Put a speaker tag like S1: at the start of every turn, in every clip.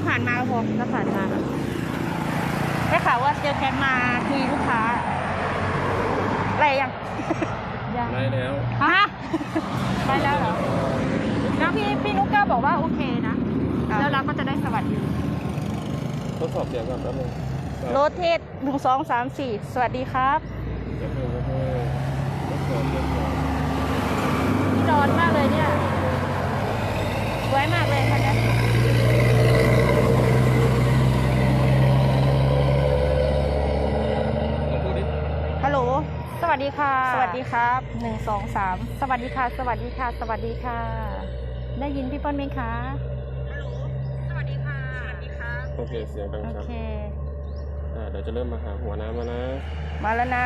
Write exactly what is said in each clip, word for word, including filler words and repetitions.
S1: ผ่านมาพอถ้าผ่านมาได้ข่าวว่าเจอแคทมาคุยลูกค้าอะไรยัง
S2: ยังได้แล้ว
S1: ฮะ
S3: ได้แล้วเหรอแล้วพี่พี่นุ๊กก็บอกว่าโอเคนะแล้วเราก็จะได้สวัสดี
S2: ทดสอบเสียงก่อนแป๊บนึง
S1: โรเทสหนึ่งสองสามสี่สวัสดีครับ
S2: เดี๋ยวเพิ่มเพิ่มทดสอบเสียงก่อน
S1: นี่ร้อนมากเลยเนี่ยสวยมากเลยคันนี้ฮัลโหล
S3: สวัสดีค่ะ
S1: สวัสดีครับหนึ่งสองสาม
S3: สวัสดีค่ะสวัสดีค่ะสวัสดีค่ะได้ยินพี่เปิ้ลไหมคะ
S1: ฮัลโหลสวัสดีค่ะสวัสดีครับ
S2: โอเคเสียงดังครับ
S3: โอเค
S2: อ่าเดี๋ยวจะเริ่มมาหาหัวน้ำมานะ
S1: มาแล้วนะ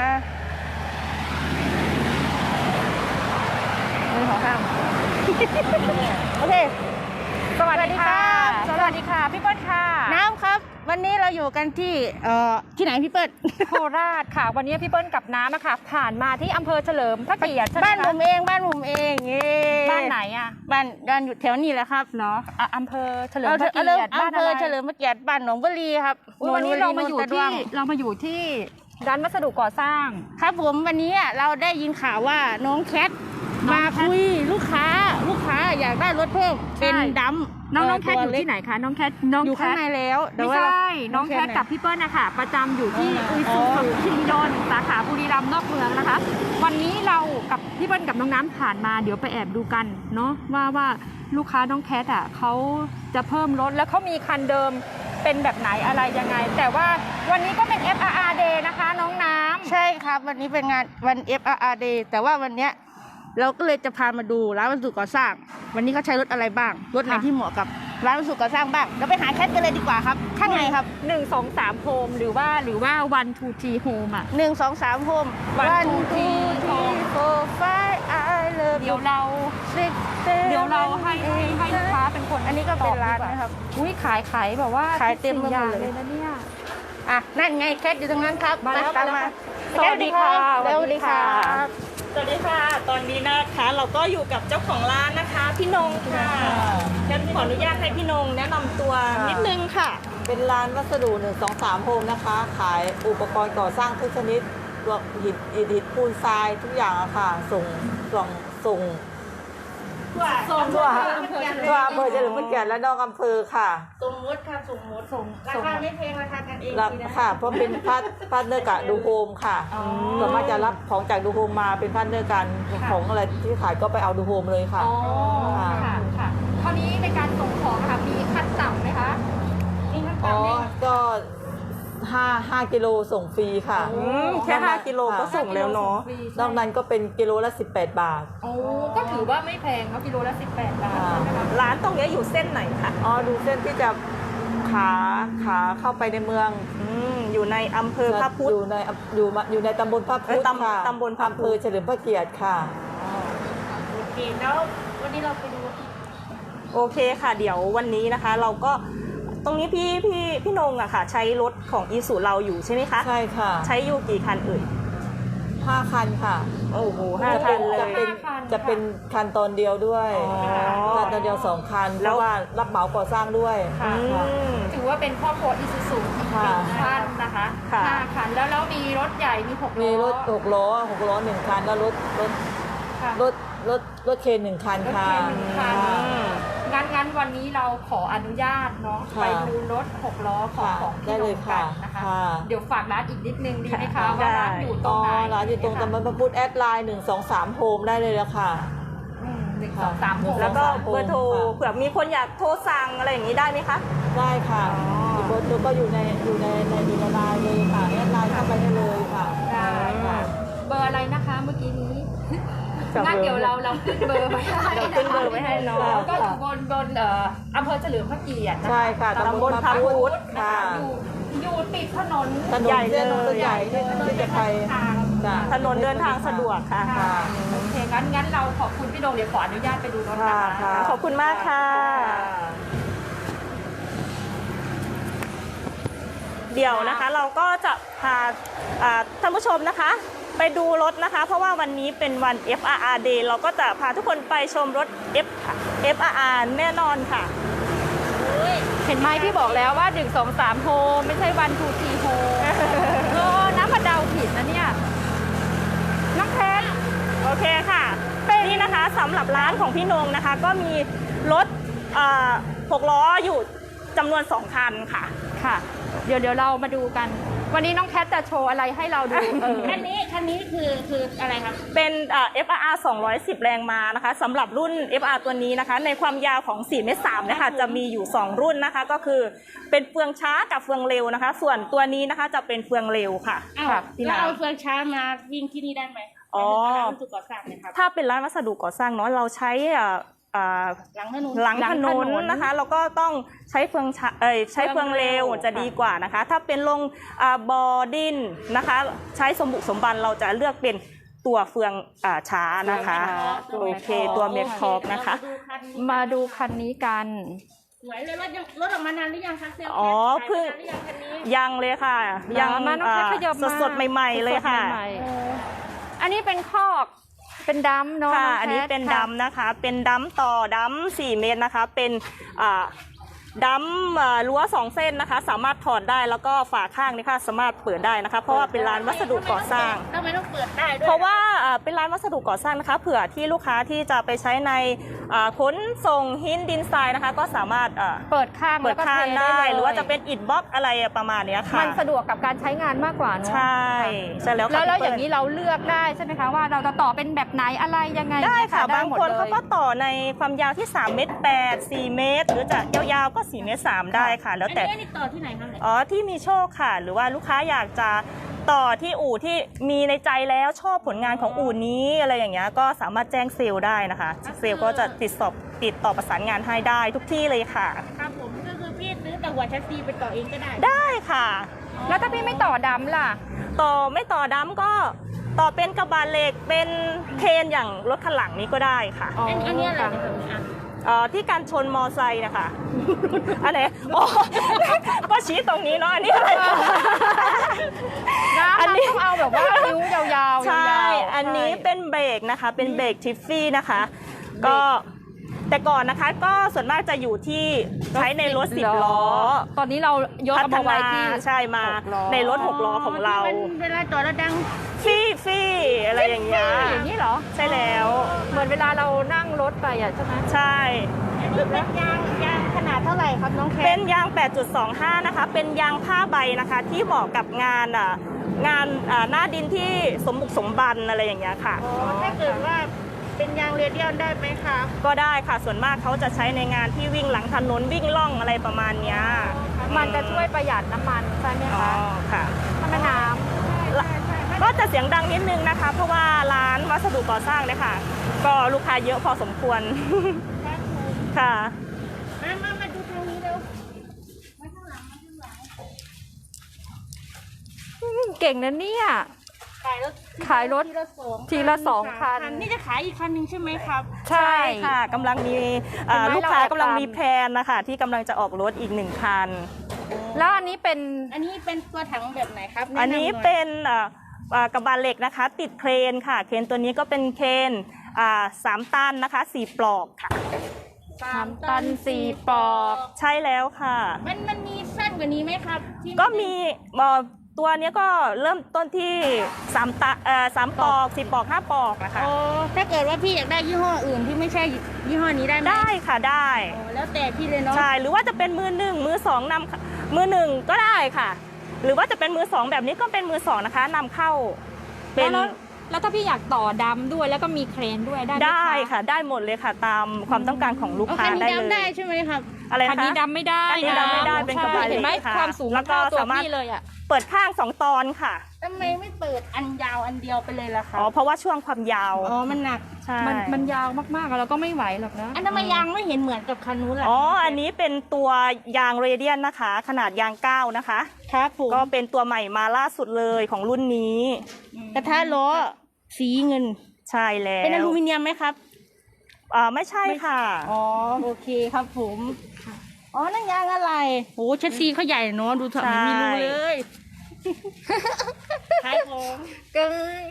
S1: มือของข้ามโอเค
S3: สวัสดีค่ะสวัสดีค่ะพี่เปิ้ลค่ะ
S1: น้ำครับวันนี้เราอยู่กันที่เอ่อที่ไหนพี่เปิ้ล
S3: โคราชค่ะวันนี้พี่เปิ้ลกับน้ำอะค่ะผ่านมาที่อำเภอเฉลิมพระเกียรติ
S1: บ้านผมเองบ้านผมเอง
S3: บ้านไหนอะ
S1: บ้านบ้านอยู่แถวนี้แหละครับ
S3: เนาะอำเภอเฉลิมพระเกียรติ
S1: อำเภอเฉลิมพระเกียรติบ้านหนองบุรีครับ
S3: วันนี้เรามาอยู่ที่เรามาอยู่ที่ร้านวัสดุก่อสร้าง
S1: ครับผมวันนี้เราได้ยินข่าวว่าน้องแคทมาคุยลูกค้าลูกค้าอยากได้รถเพิ่มเป็นดำ
S3: น้องน้องแคทอยู่ที่ไหนคะน้องแคท
S1: น้องอยู่ข้างในแล้ว
S3: ไม่ใช่น้องแคทกับพี่เปิ้ลนะคะประจำอยู่ที่อุยซูซูคิริดอนสาขาบุรีรัมย์นอกเมืองนะคะวันนี้เรากับพี่เปิ้ลกับน้องน้ำผ่านมาเดี๋ยวไปแอบดูกันเนาะว่าว่าลูกค้าน้องแคทอ่ะเขาจะเพิ่มรถแล้วเขามีคันเดิมเป็นแบบไหนอะไรยังไงแต่ว่าวันนี้ก็เป็น เอฟ อาร์ อาร์ Day นะคะน้องน้ำ
S1: ใช่ครับวันนี้เป็นงานวัน เอฟ อาร์ อาร์ Day แต่ว่าวันเนี้ยเราก็เลยจะพามาดูร้านวัสดุก่อสร้างวันนี้เขาใช้รถอะไรบ้างรถไหนที่เหมาะกับร้านวัสดุก่อสร้างบ้างเราไปหาแคทกันเลยดีกว่าครับข้างในครับ
S3: หนึ่ง สอง สามโฮมหรือว่าหรือว่าวันทูทีโฮมอ่ะ
S1: หนึ่ง สอง สามโฮม
S3: วันทูทีโฮม
S1: โฟร์ไฟว์ไอเลิฟ
S3: เดี๋ยวเราเดี๋ยวเราให้ให้ให้ลูกค้าเป็นคน
S1: อันนี้ก็เป็นร้านนะครับ
S3: อุ้ยขายขายแบบว่า
S1: ขายเต็ม
S3: เลยเลยนะเนี่ย
S1: อ่ะนั่นไงแคทอยู่ตรงนั้นครับ
S3: มาแล้วมา
S1: สวัสดีค่ะสวัสดีค่ะ
S4: สวัสดีค่ะตอนนี้นะคะเราก็อยู่กับเจ้าของร้านนะคะพี่นงค่ะงั้นขออนุญาตให้พี่นงแนะนำตัวนิดนึงค่ะ
S5: เป็นร้านวัสดุหนึ่งสองสามโฮมนะคะขายอุปกรณ์ก่อสร้างทุกชนิดตัวหินอิฐหินปูนทรายทุกอย่างอะค่ะส่งส่งส่ง
S4: ส่ง
S5: ทั่วทั่วอำเภอเฉลิมพระเกียรติและนอกอำเภอค่ะ
S1: สมมติค่ะสมมติส่งราคาไม่แพงราคากันเอง
S5: ค่ะเพราะเป็นพาร์ทพาร์ทเนอร์กับดูโฮมค่ะส่วนมากจะรับของจากดูโฮมมาเป็นพาร์ทเนอร์กันของอะไรที่ขายก็ไปเอาดูโฮมเลยค่ะ
S3: อ๋อค่ะค่ะคราวนี้ในการส่งของค่ะมีขั้นต่ำไหมคะ
S5: มีขั้นต่ำไหมก็ห้าห้ากิโลส่งฟรีค่ะ
S4: แค่ห้ากิโลก็ส่งแล้วเนาะ
S5: นอกนั้นก็เป็นกิโลละสิบแปดบาท
S3: โอ้ก็ถือว่าไม่แพงเนาะกิโลละสิบแปดบาท
S4: ร้านตรงนี้อยู่เส้นไหนคะ
S5: อ๋อดูเส้นที่จะขาขาเข้าไปในเมือง
S4: อยู่ในอำเภอพระพุทธ
S5: อยู่ในอยู่อยู่ในตำบลพระพุทธค่ะ
S4: ตำบลพระพุทธ
S5: อำเภอเฉลิมพระเกียรติค่ะ
S1: โอเคแล้ววันนี้เราไปดู
S4: โอเคค่ะเดี๋ยววันนี้นะคะเราก็ตรงนี้พี่พี่พี่นงอะค่ะใช้รถของอีซูเราอยู่ใช่ไหมคะ
S5: ใช่ค่ะ
S4: ใช้อยู่กี่คันเอ่ย
S5: ห้าคันค่ะ
S4: โอ้โหห้าคันเลย
S5: จะเป็นจะเป็นคันตอนเดียวด้วยคันตอนเดียวสองคันแล้วว่ารับเหมาก่อสร้างด้วย
S3: ถือว่าเป็นครอบครัวอีซูซูอีกหนึ่งคันนะคะห้าคันแล้วแล้วมีรถใหญ่มีหกล้อ
S5: มีรถหกล้อหกล้อหนึ่งคันแล้วรถรถรถรถรถเคนหนึ่งคันค่ะ
S3: งั้นงั้นวันนี้เราขออนุญาตเนาะไปดูรถหกล้อของของที่โรงกันนะคะเดี๋ยวฝากร้านอีกนิดนึงดีไหมคะว่าร้านอยู่ตรงไหน
S5: ร้านอยู่ตรงตำบลพระพุทธแอดไลน์หนึ่งสองสามโฮมได้เลยแล้วค่ะ
S3: หนึ่งสองสามโฮม
S4: แล้วก็เบอร์โทรเผื่อมีคนอยากโทรสั่งอะไรอย่างนี้ได้ไหมคะ
S5: ได้ค่ะเบอร์โทรก็อยู่ในอยู่ในในในไลน์เลยค่ะแอดไลน์เข้าไปได้เลยค่ะ
S3: ได้ค่ะเบอร์อะไรนะคะเมื่อกี้นี้งั้นเดี๋ยวเราเราขึ้นเบอร์ไปให้
S4: เราขึ้นเบอร์ไปให้น้อง
S3: ก็อยู่บนบนเอ่ออำเภอเฉลิมพระเกียรติ
S5: ใช่ค่ะ
S4: ตำบลพระพุทธ
S3: ค่ะอยู่อยู่ติดถนน
S5: ใหญ่เลยใหญ่ที่จะไป
S4: ถนนเดินทางสะดวกค่ะ
S3: โอเคงั้นงั้นเราขอบคุณพี่ดงเดี๋ยวขออนุญาตไปดูรถนะคะ
S4: ขอบคุณมากค่ะเดี๋ยวนะคะเราก็จะพาท่านผู้ชมนะคะไปดูรถนะคะเพราะว่าวันนี้เป็นวัน เอฟ อาร์ อาร์ Day เราก็จะพาทุกคนไปชมรถ F เอฟ อาร์ อาร์ แน่นอนค่ะ
S3: เห็นไหมพี่บอกแล้วว่าหนึ่ง สอง สามโฮมไม่ใช่วันทูทีโฮมเออน้ำมาเดาผิดนะเนี่ยน้องแคท
S4: โอเคค่ะนี่นะคะสำหรับร้านของพี่นงนะคะ ก็มีรถเอ่อหกล้ออยู่จำนวนสองคันค่ะ
S3: ค่ะ เดี๋ยวเดี๋ยวเรามาดูกัน วันนี้น้องแคทจะโชว์อะไรให้เราดูเออ
S1: คันนี้คันนี้คือคืออะไรครับ
S4: เป็นเอ่อ เอฟ อาร์ อาร์ สองร้อยสิบ แรงม้านะคะสำหรับรุ่น เอฟ อาร์ ตัวนี้นะคะ ในความยาวของสี่เมตรสามนะคะจะมีอยู่สองรุ่นนะคะ ก็คือเป็นเฟืองช้ากับเฟืองเร็วนะคะ ส่วนตัวนี้นะคะจะเป็นเฟืองเร็วค่ะ
S1: อ้าว
S3: ครับ
S1: แล้วเอาเฟืองช้ามาวิ่งที่นี่ได้ไหม
S4: อ๋อ
S1: ร้านวัสดุก่อสร้างเนะครับ
S4: ถ้าเป็นร้านวัสดุก่อสร้างเนาะเราใช้เอ่อเอ่อ
S1: หลังถนน
S4: หลัง
S3: หลัง
S4: ถ
S3: ถ
S4: น
S3: น
S4: น
S3: น
S4: นะคะเราก็ต้องใช้เฟืองช้าเอ้ยใช้เฟืองเร็วจะดีกว่านะคะ ถ้าเป็นลงอ่าบอดินนะคะ ใช้สมบุกสมบันเราจะเลือกเป็นตัวเฟืองอ่าช้านะคะ โอเคตัวเมคคอกนะคะ
S3: มาดูคันนี้กัน
S1: สวยเลยรถยังรถออกมานานหรือยังคะเซลล์
S4: อ๋อ
S1: ขาย
S4: เพิ่ง
S1: มานานหรือยังคันนี้
S4: ยังเลยค่ะ ยัง
S3: มาน้องแคทขยับมา
S4: สดๆใหม่ๆเลยค่ะ
S3: สดๆใหม่ๆอันนี้เป็นคอกเป็นดัมเนาะ
S4: ค่ะ
S3: งแคท
S4: อันนี้เป็น
S3: ค่ะ
S4: ดัมนะคะ เป็นดัมต่อดัมสี่เมตรนะคะ เป็นอ่าดัมเอ่อรั้วสองเส้นนะคะ สามารถถอดได้แล้วก็ฝาข้างนี่ค่ะสามารถเปิดได้นะคะ เพราะว่าเป็นร้านวัสดุก่อสร้าง
S1: ทำไมต้องเปิดได้ด้วย
S4: เพราะว่าเอ่อเป็นร้านวัสดุก่อสร้างนะคะ เผื่อที่ลูกค้าที่จะไปใช้ในอ่าขนส่งหินดินทรายนะคะ ก็สามารถเอ่อ
S3: เปิดข้าง
S4: เปิ
S3: แล้
S4: ด
S3: วก็
S4: ข้าง
S3: เท
S4: ได้
S3: เลย
S4: หรือว่าจะเป็นอิฐบล็อกอะไรประมาณเนี้ยค่ะ
S3: มันสะดวกกับการใช้งานมากกว่าเนาะ
S4: ใช่ใช่แล้วค่ะ
S3: แล้วแล้ว
S4: พี่
S3: อ
S4: เปิ้ล
S3: ย่างนี้เราเลือกได้ใช่ไหมคะว่าเราจะต่อเป็นแบบไหนอะไรยังไง
S4: ได้ค่ะ
S3: ได้
S4: บาง
S3: หมด
S4: คน
S3: ลย
S4: เขาก็ต่อในความยาวที่สามเมตรแปด สี่เมตร หรือจะยาวๆก็สี่เมตรสามได้ค่ะ แล้ว
S1: อัน
S4: แต่
S1: นี้อันนี้ต่อที่ไหนครับเนี่ย
S4: อ๋อที่มีโชคค่ะ หรือว่าลูกค้าอยากจะต่อที่อู่ที่มีในใจแล้วชอบผลงานของอู่นี้อะไรอย่างเงี้ยก็สามารถแจ้งเซลล์ได้นะคะ เซลล์ก็จะติดสอบติดต่อประสานงานให้ได้ทุกที่เลยค่ะ
S1: ครับผมก็คือพี่ซื้อแต่หัวแชสซีไปต่อเองก็ได้
S4: ได้ค่ะ
S3: แล้วถ้าพี่ไม่ต่อดำล่ะ
S4: ต่อไม่ต่อดัมก็ต่อเป็นกระบะเหล็กเป็นเครนอย่างรถคันหลังนี้ก็ได้ค่ะ
S1: อันอันนี้อะไรนะครับอ่ะ
S4: เอ่อที่การชนมอไซค์นะคะ อะไรอ๋อ ก็ชี้ตรงนี้เนาะอันนี้อะไร
S3: นะ
S4: อัน
S3: มัน
S4: นี้
S3: ต้องเอาแบบว่านิ้วยาวๆยาวๆ
S4: ใช่ อันนี้
S3: ใช่
S4: เป็นเบรกนะคะ เป็นเบรกทิฟฟี่นะคะ ก็แต่ก่อนนะคะก็ส่วนมากจะอยู่ที่ใช้ในรถสิบล้อ
S3: ตอนนี้เรายก
S4: พั
S3: เอา
S4: ฒ
S3: มาไว้
S4: นา
S3: ที่
S4: ใช่มา
S3: หกล้อ
S4: ในรถหกล้อของเรา
S1: ที่มันเวลาจอดแล้วดัง
S4: ฟี่ฟี่อะไรอย่างเงี้ย
S3: อย่างนี้เหรอ
S4: ใช่แล้ว
S3: เหมือนเวลาเรานั่งรถไปอ่ะใช่ไหม
S4: ใช่
S1: อันนี้เป็นยางยางขนาดเท่าไหร่ครับน้องแค
S4: เป็นยาง แปดจุดสองห้า นะคะ เป็นยางผ้าใบนะคะ ที่เหมาะกับงานอ่ะงานอ่าหน้าดินที่สมบุกสมบันอะไรอย่างเงี้ยค่ะ
S1: อ๋อถ้าเกิดว่าเป็นยางเรเดียลได้ไหมครับ
S4: ก็ได้ค่ะ ส่วนมากเขาจะใช้ในงานที่วิ่งหลังถนนวิ่งล่องอะไรประมาณเนี้ย
S3: มันจะช่วยประหยัดน้ำมันใช่ไหม
S4: อ๋อ
S3: คะ
S4: ค่ะ
S3: ถ้าแม่น้
S4: ก็จะเสียงดังนิดนึงนะคะ เพราะว่าร้านวัสดุก่อสร้างเนี่ยค่ะ ก็ลูกค้าเยอะพอสมควร
S1: ครับผม
S4: ค่ะ
S1: มามามาดูทางนี้เร็วมาข้างหลังมาข้างหลัง
S3: ำเก่งนะเนี่ย
S1: ขายรถ
S3: ขายรถ
S1: ทีละสอง
S3: ทีละสองคัน
S1: นี่จะขายอีกคันหนึ่งใช่ไหมครับ
S3: ใช่
S4: ใช่ค่ะกำลังมีเอ่อ
S3: เห็นไหม
S4: ลูกค้า
S3: เราแอบ
S4: กำลัง
S3: ตาม
S4: มีแพลนนะคะที่กำลังจะออกรถอีกหนึ่งคัน
S3: แล้วอันนี้เป็น
S1: อันนี้เป็นตัวถังแบบไหนครับ
S4: อันนี้
S1: แะำหย
S4: เป็นเอ่อเอ่อกระบะเหล็กนะคะ ติดเครนค่ะ เครนตัวนี้ก็เป็นเครนอ่าสามตันนะคะสี่ปลอกค่ะ
S1: สา
S3: สาม มตันสี่ปลอก
S4: ใช่แล้วค่ะ
S1: มันมันมีสั้นกว่านี้ไหมครับที่
S4: ก็มีเอ่อตัวเนี้ยก็เริ่มต้นที่สามตะเอ่อสามปลอกสี่ปลอกห้าปลอกนะคะ
S1: อ๋อถ้าเกิดว่าพี่อยากได้ยี่ห้ออื่นที่ไม่ใช่ยี่ห้อนี้ได้ไหม
S4: ได้ค่ะได้
S1: อ๋อแล้วแต่พี่เลยเนาะ
S4: ใช่หรือว่าจะเป็นมือหนึ่งมือสองนำมือหนึ่งก็ได้ค่ะ หรือว่าจะเป็นมือสองแบบนี้ก็เป็นมือสองนะคะนำเข้าเป็น
S3: แล้วแล้วถ้าพี่อยากต่อดำด้วยแล้วก็มีเครนด้วยได้ไหม
S4: ได้ค่ะได้หมดเลยค่ะ ตามความต้องการของลูก
S1: โอเค
S4: ค้า
S1: นี่
S4: ได้เล
S1: ดำได้
S4: ย
S1: ใช่ไหมครับ
S4: อะไร
S3: คัน
S4: นะคะ
S3: นี้ดำไม่ได้
S4: อันนี้ดำไม่ได้เป็นกระบะเหล็ก
S3: เห็นไหม
S4: ค่ะ
S3: ความสูง
S4: แล้วก็
S3: เท่าตัว
S4: สามารถ
S3: พี่เลยอ่ะ
S4: เปิดข้างสองตอนค่ะ
S1: ทำไมไม่เปิดอันยาวอันเดียวไปเลยล่ะคะ
S4: อ๋อเพราะว่าช่วงความยาว
S1: อ๋อมันหนัก
S4: ใช่
S3: มันมันยาวมากๆอะเราก็ไม่ไหวหรอกนะ
S1: อันทำไมยางไม่เห็นเหมือนกับคันนู้นล่ะ
S4: อ๋ออันนี้เป็นตัวยางเรเดียนนะคะ ขนาดยางเก้านะคะ
S1: ครับผม
S4: ก็เป็นตัวใหม่มาล่าสุดเลยของรุ่นนี้
S1: กระทะล้อสีเงิน
S4: ใช่แล้ว
S1: เป็นอลูมิเนียมไหมครับ
S4: อ่าไม่ใช่ค่ะ
S1: อ๋อโอเคครับผม อ๋อนั่นยางอะไรโหเชสซีเขาใหญ่เนาะดูเถอะ
S4: ใช่
S1: ไม่มีรูเลยขายของ
S3: เกิน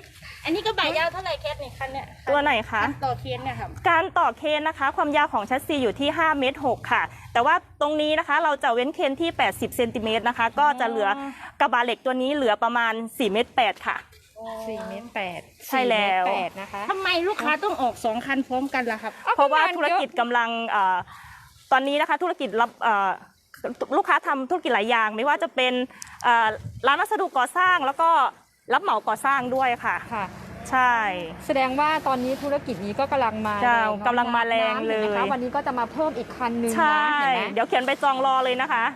S1: อันนี้ก็บ่ายยาวเท่าไหร่เคสนี่คันเนี่ย
S4: ตัวไหนคะ
S1: ต่อเคนเนี่ยครับ
S4: การต่อเคนนะคะความยาวของแชสซีอยู่ที่ห้าเมตรหกค่ะแต่ว่าตรงนี้นะคะเราจะเว้นเคนที่แปดสิบเซนติเมตรนะคะก็จะเหลือกระบะเหล็กตัวนี้เหลือประมาณสี่เมตรแปดค่ะ
S3: สี่เมตรแปด
S4: ใช่แล้ว
S3: สี่เมตรแปดนะคะ
S1: ทำไมลูกค้าต้องออกสองคันพร้อมกันล่ะครับ
S4: เพราะว่าธุรกิจกำลังเอ่อตอนนี้นะคะธุรกิจรับเอ่อลูกค้าทำธุรกิจหลายอย่างไม่ว่าจะเป็นเอ่อร้านวัสดุก่อสร้างแล้วก็รับเหมาก่อสร้างด้วยค่ะ
S3: ค่ะ
S4: ใช่
S3: แสดงว่าตอนนี้ธุรกิจนี้ก็กำลังมา
S4: ใช่
S3: แรงเนอะ
S4: กำลังมาแรง
S3: น้ำ
S4: เลย
S3: ห็นไหมคะวันนี้ก็จะมาเพิ่มอีกคันนึง
S4: ใช่
S3: นะเห็นไหม
S4: เดี๋ยวเขียนไปจองรอเลยนะคะ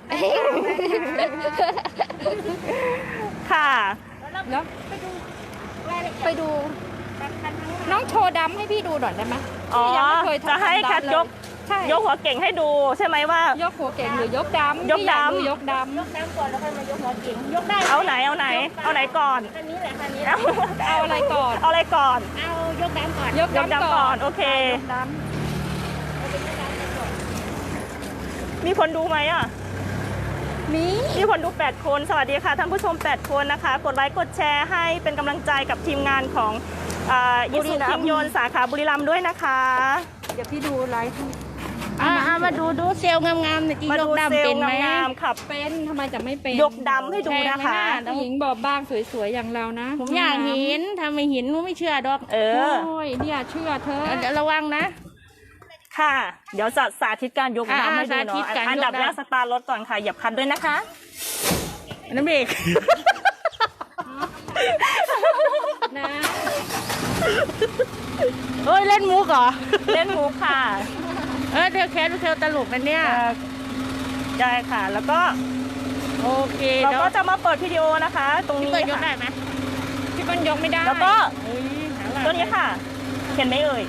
S4: ค่ะ
S3: แล้วไปดู น้องโชว์ดำให้พี่ดูหน่อยได้ไหม
S4: อ๋อ
S3: พี่ยังไม่เคยทำ
S4: จะให้
S3: ดำ
S4: แคท
S3: เลย
S4: ยก
S3: ใช่
S4: ยกหัวเก่งให้ดูใช่ไหมว่า
S3: ยกหัวเก่งหรือยกดำ
S4: ยก
S3: พี่อา
S4: ดำ
S3: ยกดำ
S1: ยกน้ำก่อนแล้วค่อยมายกหัวเก่งยกได้
S4: เอาไหนเอาไหน เอาไหนก่อน
S1: คันนี้แหละคันนี้
S4: เอา
S3: เอาอะไรก่อน
S4: เอาอะไรก่อน
S1: เอายกน้ำก่อน
S3: ยก
S4: ยก
S3: ดำ
S4: ดำก่
S3: ก่
S4: อ
S3: อน น
S4: โอเค
S3: ยกด
S4: มีคนดูไหมอ่ะ
S3: ำมี
S4: มีคนดูแปดคนสวัสดีค่ะท่านผู้ชมแปดคนนะคะกดไลค์กดแชร์ให้เป็นกำลังใจกับทีมงานของยิสุคิงยนสาขาบุรีรัมย์ด้วยนะคะ
S3: เดี๋ยวพี่ดูไลฟ์ให้
S1: อ่าอ่ามาดูดูเซลล์งามๆหน่อยจี
S4: มาย ดู
S1: ก
S4: เซ
S1: ดำ
S4: ล
S1: เป็น
S4: ล์
S1: ไหม
S4: งามๆขับ
S3: เป็นทำไมจะไม่เป็น
S4: ยกดำให้ดูนะคะ
S3: ผู้หญิงบอบบางสวยๆอย่างเรานะ
S1: ผมอยากเห็นถ้าไม่เห็นหนูไม่เชื่อดอก
S4: เออ
S3: โอ้ยเนี่ยเชื่อเธอ
S1: เดี๋ยวระวังนะ
S4: ค่ะ เดี๋ยวจะสาธิตการยก
S1: อ่า
S4: ดำให้ดู
S1: สาธิ
S4: เนาะ
S1: ตการยกดำ
S4: อันดับแรกสตาร์ทรถก่อนค่ะเหยียบคลันด้วยนะคะ
S1: น้ำเบรก
S3: นะ
S1: เอ้ยเล่นมุกเหรอ
S4: เล่นมุกค่ะ
S1: เออเธอแคสเธอตลกนะเนี่ย
S4: เอ่อได้ค่ะ แล้วก็
S1: โอเค
S4: เรา
S1: เดี๋ยว
S4: ก็จะมาเปิดวิดีโอนะคะ ตรง
S1: พี่
S4: นี้
S1: เปิดยก
S4: ค่ะ
S1: ได้ไหม
S3: พี่เปิ้ลยกไม่ได้
S4: แล้วก็
S1: เอ้ยหาว่า
S4: ตัวนี้ค่ะ เห็นไหมเอ่ย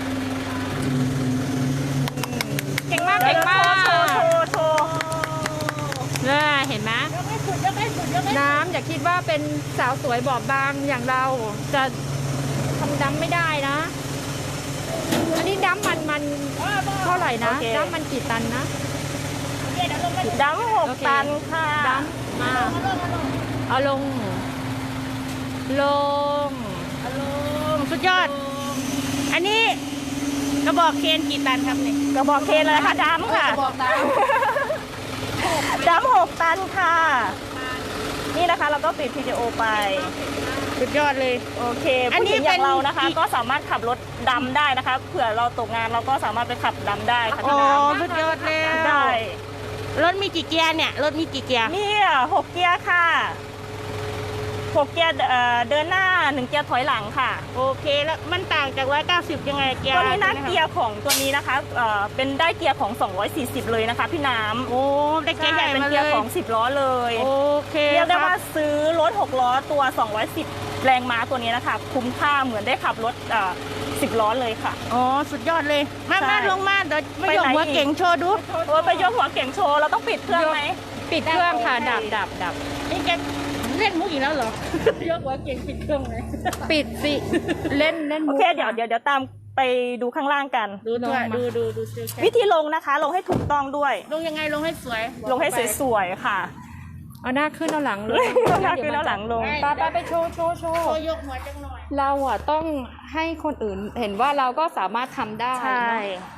S3: เก่งมาก
S4: เดี๋
S3: เก่
S4: ยว
S3: งมาก
S4: โชว์โชว์โชว์
S3: น่าเห็นไหม
S1: ยกให้สุดยกให้สุดยกให้สุด
S3: น้ำอย่าคิดว่าเป็นสาวสวยบอบบางอย่างเราจะทำดำไม่ได้นะ อันนี้ดำมันมันเท่าไหร่นะดำมันกี่ตันนะ
S4: ดำหก
S3: โอเค
S4: ตันค่ะ
S3: ดำมาเอาลง ลง
S1: อารมณ์สุดยอด อันนี้กระบอกเคนกี่ตันครับเนี่ย
S4: กระบอกเคนเลยค่ะดำค่ะ
S1: กระบอกตัน
S4: ดำหกตันค่ะ นี่นะคะเราก็ปิดวิดีโอไป
S1: สุดยอดเลย
S4: โอเค
S1: อัน
S4: ผู้
S1: นี้
S4: หญิงอย่าง
S1: เป็น
S4: เรานะคะ
S1: กี่
S4: ก็สามารถขับรถดำได้นะคะ เผื่อเราตกงานเราก็สามารถไปขับดำได้ค่ะ
S1: โอ้
S4: พี่น้
S1: สุดยอดเลย
S4: ำได้
S1: รถมีกี่เกียร์เนี่ย รถมีกี่เกียร์
S4: นี่หกเกียร์ค่ะหกเกียร์เอ่อเดินหน้าหนึ่งเกียร์ถอยหลังค่ะ
S1: โอเคแล้วมันต่างจากร้อยเก้าสิบยังไงเกียร์
S4: ตัวนี้นะ
S1: ใช่ไหมครับ
S4: เกียร์ของตัวนี้นะคะเอ่อเป็นได้เกียร์ของสองร้อยสี่สิบเลยนะคะพี่น้ำ
S1: โอ้ได้เกียร์ใหญ่
S4: เป็น
S1: มาเล
S4: เกียร์
S1: ย
S4: ของสิบล้อเลย
S1: โอเค
S4: เรียกได้
S1: ค
S4: ว่า
S1: รับ
S4: ซื้อรถหกล้อตัวสองร้อยสิบแรงม้าตัวนี้นะคะ คุ้มค่าเหมือนได้ขับรถเอ่อสิบล้อเลยค่ะ
S1: อ๋อสุดยอดเลย มา
S4: ใช่
S1: มาลงมาเดี๋ยวไม่
S4: ไป
S1: ยก
S4: ไหน
S1: หัว
S4: อีก
S1: เก่งโชว์ดู
S4: โอ้ยไปยกหัวเก่งโชว์เราต้องปิดเครื่องไหม
S3: ปิดเครื่องค่ะ ดับดับดับ
S1: นี่แกเล่นมุกอีกแล้วเหรอ ยกหัวเก่งปิดเครื่องเลย
S3: ปิดสิ เล่นเล่น
S4: โอ
S3: มุก
S4: เคเดี๋ยวเดี๋ยวเดี๋ยวตามไปดูข้างล่างกัน
S1: ดูด้วย
S3: ลงมา
S1: ดูดูดูเซลล์แค
S4: วิ
S1: ท
S4: ธีลงนะคะ ลงให้ถูกต้องด้วย
S1: ลงยังไงลงให้สวย
S4: ลงให้สวยๆค่ะ
S3: เอาหน้าขึ้นเอาหลังลง
S4: หน้าขึ้นแล้วหลังลง
S3: ไปไปไปโชว์โชว์โช
S1: ๆ
S3: ว์
S1: โชว์ยกหัวจังหน่อย
S3: เราอ่ะต้องให้คนอื่นเห็นว่าเราก็สามารถทำได้
S4: ใช่
S3: เนอะ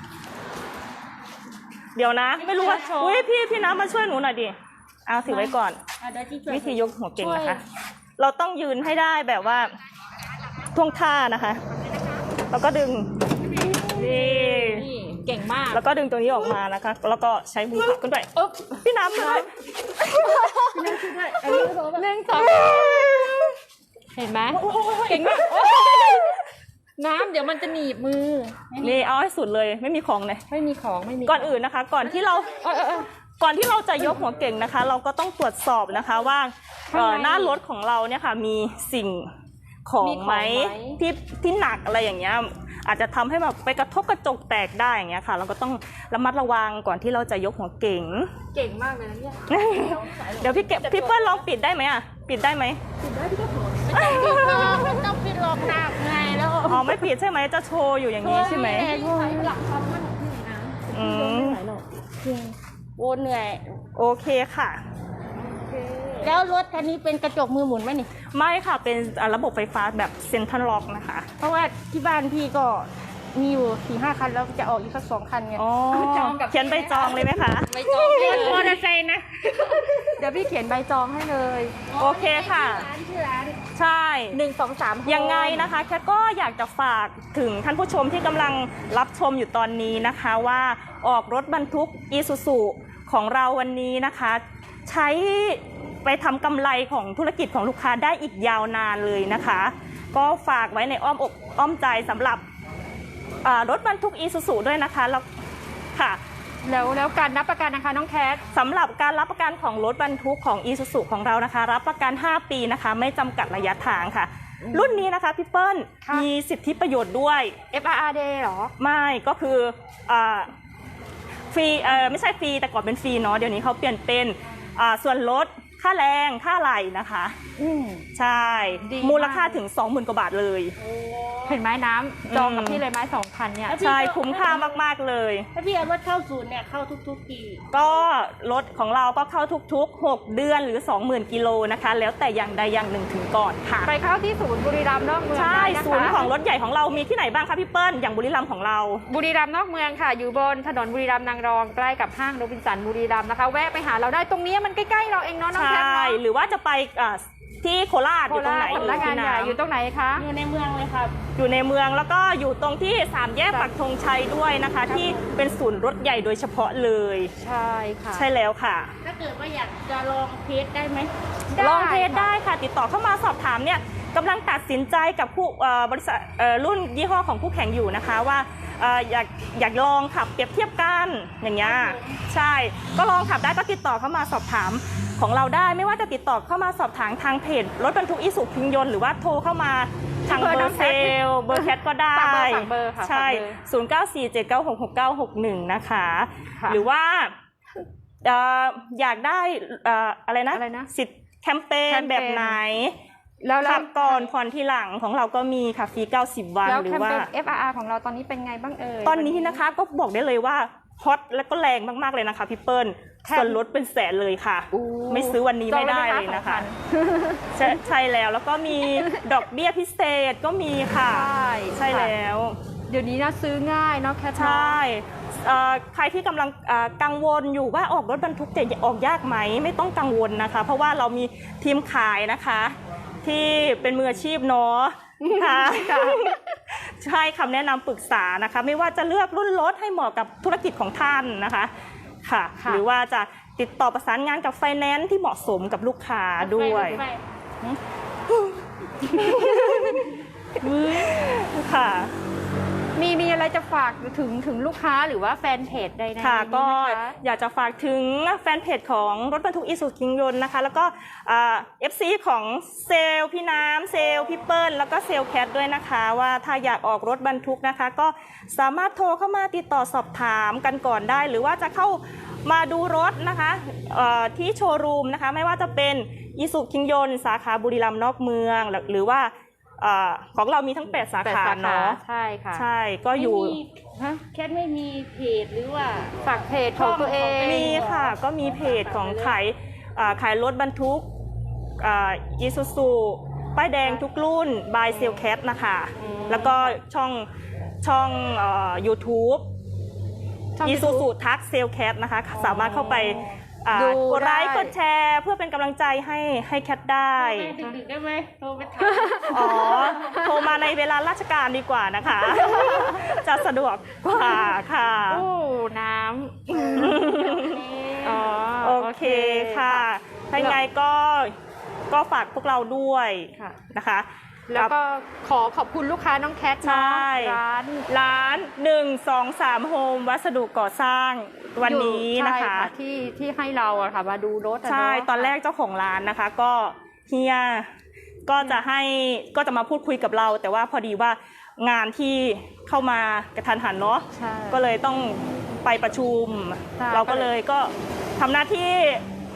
S4: เดี๋ยวนะ ไม่รู้ว่า
S3: โชว์
S4: อุ้ยพี่พี่น้ำมาช่วยหนูหน่อยดิเอาถือไว้ก่อน
S1: อ่ะเดี๋ยวที่ช่วย
S4: วิธียกหัวเก่งนะคะ เราต้องยืนให้ได้แบบว่าท่วงท่านะคะ แล้วก็ดึง นี่
S3: นี่เก่งมาก
S4: แล้วก็ดึงตัวนี้ออกมานะคะ แล้วก็ใช้มือผลักขึ้นไป
S3: อึ๊บ
S4: พี่น้ำเลย
S3: หนึ่งสองเห็นไหมเก่งมากโอ๊ยน้ำเดี๋ยวมันจะหนีบมือ
S4: นี่เอาให้สุดเลย ไม่มีของเลย
S3: ไม่มีของไม่มี
S4: ก่อนอื่นนะคะ ก่อนที่เรา
S3: เออเออเออ
S4: ก่อนที่เราจะยกหัวเก่งนะคะ เราก็ต้องตรวจสอบนะคะว่าเอ่อ
S3: ข้างใน
S4: หน้ารถของเราเนี่ยค่ะมีสิ่งของ
S3: มีของ
S4: ไหม
S3: ไหม
S4: ที่ที่หนักอะไรอย่างเงี้ยอาจจะทำให้แบบไปกระทบกระจกแตกได้อย่างเงี้ยค่ะ เราก็ต้องระมัดระวังก่อนที่เราจะยกหัวเก่ง
S3: เก่งมากเลยนะเนี่ย
S4: เดี๋ยวพี่เก็บพี่เปิ้ลลองปิดได้ไหมอ่ะปิดได้ไหม
S1: ไม่ต้องปิดหรอกหนักไงแล้ว
S4: อ๋อไม่ปิดใช่ไหมจะโชว์อยู่อย่างนี้ใช่ไหม
S3: หลักความมั่นของพี่นะ
S4: อืม
S1: โอ้เหนื่อย
S4: โอเคค่ะ
S3: โอเค
S1: แล้วรถคันนี้เป็นกระจกมือหมุนไหมนี่
S4: ไม่ค่ะเป็นอ่าระบบไฟฟ้าแบบเซ็นทรัลล็อกนะคะ
S1: เพราะว่าที่บ้านพี่ก็มีอยู่สี่ห้าคันแล้วจะออกอีกสักสองคันไง
S4: อ๋อเขียนใบจองเลยไหมคะ
S3: ใบจอง
S1: เรียนมอเตอร์ไซค์นะ
S3: เดี๋ยวพี่เขียนใบจองให้เลย
S4: โอเคค่ะ
S1: ร้านชื่อร้าน
S4: ใช่
S3: หนึ่งสองสาม
S4: ยังไงนะคะแคทก็อยากจะฝากถึงท่านผู้ชมที่กำลังรับชมอยู่ตอนนี้นะคะว่าออกรถบรรทุกอีซูซูของเราวันนี้นะคะ ใช้ไปทำกำไรของธุรกิจของลูกค้าได้อีกยาวนานเลยนะคะ ก็ฝากไว้ในอ้อมอกอ้อมใจสำหรับอ่ารถบรรทุกอีซูซูด้วยนะคะแล้วค่ะ
S3: แล้วแล้วการรับประกันนะคะน้องแคท
S4: สำหรับการรับประกันของรถบรรทุกของ Isuzu ของเรานะคะรับประกันห้าปีนะคะไม่จำกัดระยะทางค่ะ รุ่นนี้นะคะพี่เปิ้ล
S3: ค่ะ
S4: มีสิทธิประโยชน์ด้วย
S3: เอฟ อาร์ อาร์ Day เหรอ
S4: ไม่ก็คืออ่าฟรีเอ่อไม่ใช่ฟรีแต่ก่อนเป็นฟรีเนาะเดี๋ยวนี้เขาเปลี่ยนเป็นอ่าส่วนลดค่าแรงค่าไหลนะคะ
S3: อืม
S4: ใช่
S3: ดีมาก
S4: มูลค่าถึง สองหมื่น กว่าบาทเลย
S3: เห็นไหมน้ำจองกับพี่เลยไหมสองพันเนี่ย
S4: ใช่คุ้มค่ามากๆเลย
S1: ถ้าพี่เอารถเข้าศูนย์เนี่ยเข้าทุกๆปี
S4: ก็รถของเราก็เข้าทุกๆหกเดือนหรือ สองหมื่น กิโลนะคะ แล้วแต่อย่างใดอย่างหนึ่งถึงก่อนค่ะ
S3: ไปเข้าที่ศูนย์บุรีรัมย์นอกเมือง
S4: ใช่
S3: ได้นะคะ
S4: ศูนย์ของรถใหญ่ของเรามีที่ไหนบ้างคะพี่เปิ้ลอย่างบุรีรัมย์ของเรา
S3: บุรีรัมย์นอกเมืองค่ะ อยู่บนถนนบุรีรัมย์นางรองใกล้กับห้างโรบินสันบุรีรัมย์นะคะ แวะไปหาเราได้ตรงนี้มันใกล้ๆเราเองเนาะน้อง
S4: ใช
S3: แคท่ เนาะ
S4: หรือว่าจะไปอ่าที่โคราช
S3: โค
S4: อยู่ตรง
S3: รา
S4: ไหน
S3: ชสำนักงานใหญ่อยู่ตรงไหนคะ
S1: อยู่ในเมืองเลยครับ
S4: อยู่ในเมืองแล้วก็อยู่ตรงที่สามแยกปักธงชัยด้วยนะคะ ที่เป็นศูนย์รถใหญ่โดยเฉพาะเลย
S3: ใช่ค่ะ
S4: ใช่แล้วค่ะ
S1: ถ้าเกิดว่าอยากจะลองเทสได้ไหม
S3: ได้
S4: ลองเทส
S3: ค่ะ
S4: ได้ค่ะ ติดต่อเข้ามาสอบถามเนี่ยกำลังตัดสินใจกับผู้เอ่อบริษัทเอ่อรุ่นยี่ห้อของผู้แข่งอยู่นะคะว่าเอ่ออยากอยากลองขับเปรียบเทียบกันอย่างเงี้ยใช่ก็ลองขับได้ก็ติดต่อเข้ามาสอบถามของเราได้ไม่ว่าจะติดต่อเข้ามาสอบถามทางเพจรถบรรทุกอีสุพิงยนต์หรือว่าโทรเข้ามาทางเบอร์เซลล์เบอร์แคทก็ได้
S3: ฝากเบอร์ฝากเบอร์ค่ะ
S4: ใช่
S3: ฝากเบอร์
S4: ศูนย์ เก้า สี่ เจ็ด เก้า หก หก เก้า หก หนึ่งนะคะ
S3: ค่ะ
S4: หรือว่าเอ่ออยากได้เอ่ออะไรนะ
S3: อะไรนะ
S4: สิทธิ์แคมเปญ
S3: แคมเปญ
S4: แบบไหน
S3: แล้วแล้ว
S4: ขับก่อนผ่อนทีหลังของเราก็มีค่ะฟรีเก้าสิบวัน
S3: แล้ว
S4: หรื
S3: แค
S4: อ
S3: ม
S4: ว่า
S3: เปญ เอฟ อาร์ อาร์ ของเราตอนนี้เป็นไงบ้างเอ่ย
S4: ตอนนี้นะคะก็บอกได้เลยว่าฮอตและก็แรงมากๆเลยนะคะพี่เปิ้ล
S3: แค่
S4: ส่วนลดเป็นแสนเลยค่ะ
S3: อู้
S4: ไม่ซื้อวันนี้ไม่ได้เลยนะคะ ใช่ใช่แล้วแล้วก็มีดอกเบี้ยพิเศษก็มีค่ะ
S3: ใช่
S4: ใช่แล้ว
S3: เดี๋ยวนี้นะซื้อง่ายเนาะแคท
S4: ใช่เอ่อใครที่กำลังเอ่อกังวลอยู่ว่าออกรถบรรทุกจะออกยากไหมไม่ต้องกังวลนะคะ เพราะว่าเรามีทีมขายนะคะ ที่เป็นมืออาชีพเนาะค่ะใช่คำแนะนำปรึกษานะคะ ไม่ว่าจะเลือกรุ่นรถให้เหมาะกับธุรกิจของท่านนะคะค่ะ
S3: ค่ะ
S4: หรือว่าจะติดต่อประสานงานกับไฟแนนซ์ที่เหมาะสมกับลูกค้าด้วย
S1: ไป
S4: ค่ะ
S3: มีมีอะไรจะฝากถึงถึงลูกค้าหรือว่าแฟนเพจใดๆ
S4: ค่ะ
S3: นี้ไหม
S4: ก็
S3: คะ
S4: อยากจะฝากถึงแฟนเพจของรถบรรทุกอีซูซูคิงยนต์นะคะ แล้วก็เอฟซีของเซลล์พี่น้ำเซลล์พี่เปิ้ลแล้วก็เซลล์แคทด้วยนะคะ ว่าถ้าอยากออกรถบรรทุกนะคะ ก็สามารถโทรเข้ามาติดต่อสอบถามกันก่อนได้ หรือว่าจะเข้ามาดูรถนะคะเอ่อที่โชว์รูมนะคะ ไม่ว่าจะเป็นอีซูซูคิงยนต์สาขาบุรีรัมย์นอกเมืองหรือหรือว่าเอ่อของเรามีทั้งแปดสา
S3: แปด
S4: ขา
S3: สาขา
S4: เนาะ
S3: ใช่ค่ะ
S4: ใช่ก็อยู่
S1: ไม่มี
S3: ฮะ
S1: แคทไม่มีเพจหรือว่า
S3: ฝากเพจของตัวเอง
S4: มีค่ะก็มีเพจของขายอ่าขายรถบรรทุกอีซูซูป้ายแดงทุกรุ่น by s a l c a t นะคะ แล้วก็ช่องช่องเอ่อ YouTube
S3: ช่อง
S4: อี
S3: YouTube
S4: ซูซูทักเซลแคทนะคะ สามารถเข้าไปอ่า
S3: ดู
S4: กดไลค์
S3: ได้
S4: กดแชร์เพื่อเป็นกำลังใจให้ให้แคทได้
S1: ดึกๆได้ไหมโทรไปถาม
S4: อ๋อ โทรมาในเวลาราชการดีกว่านะคะ จะสะดวกกว่าค่ะ
S3: โอ้น้ำอ๋อ
S4: โอเคค่ะ ถ้ายังไงก็ก็ฝากพวกเราด้วย
S3: ค่ะ
S4: นะคะ
S3: แล้วก็ขอขอบคุณลูกค้าน้องแคท
S4: ใช่
S3: เนาะร้าน
S4: ร้านหนึ่งสองสามโฮมวัสดุก่อสร้างวันนี้นะคะ
S3: ใช่ที่ที่ให้เราอะค่ะมาดูรถอะ
S4: ใช่
S3: เนาะ
S4: ตอนแรกเจ้าของร้านนะคะ ก็เฮียก็จะให้ก็จะมาพูดคุยกับเรา แต่ว่าพอดีว่างานที่เข้ามากระทันหันเนาะ
S3: ใช่
S4: ก็เลยต้องไปประชุม
S3: ใช่
S4: เราก็เลยก็ทำหน้าที่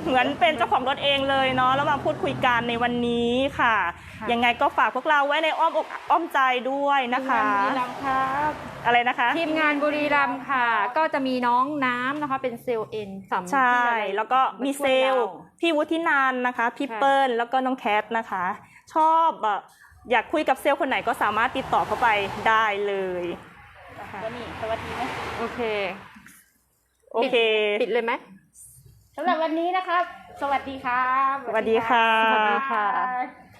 S4: เหมือนเป็นเจ้าของรถเองเลยเนาะแล้วมาพูดคุยกันในวันนี้ค่ะ
S3: ค่ะ
S4: ยังไงก็ฝากพวกเราไว้ในอ้อมอกอ้อมใจด้วยนะคะ
S1: บุรีรัมย์ครับ
S4: อะไรนะคะ
S3: ทีมงานบุรีรัมย์ค่ะ ก็จะมีน้องน้ำนะคะเป็นเซลล์เอ็นสำ
S4: ใช่
S3: ที่อะไร
S4: แล้วก็มีเซลล์พี่วุฒินันท์นะคะพี่
S3: ค่ะ
S4: เปิ้ลแล้วก็น้องแคทนะคะ ชอบแบบอยากคุยกับเซลล์คนไหนก็สามารถติดต่อเข้าไปได้เลย
S1: ก็นี่สวัสดีไหม
S3: โอเค
S4: โอเค
S3: ปิดเลยไหม
S1: สำหรับวันนี้นะครับ สวัสดีครับ
S4: สวัสดีค่ะ
S3: สวัสดีค่ะ
S1: บ๊ายบาย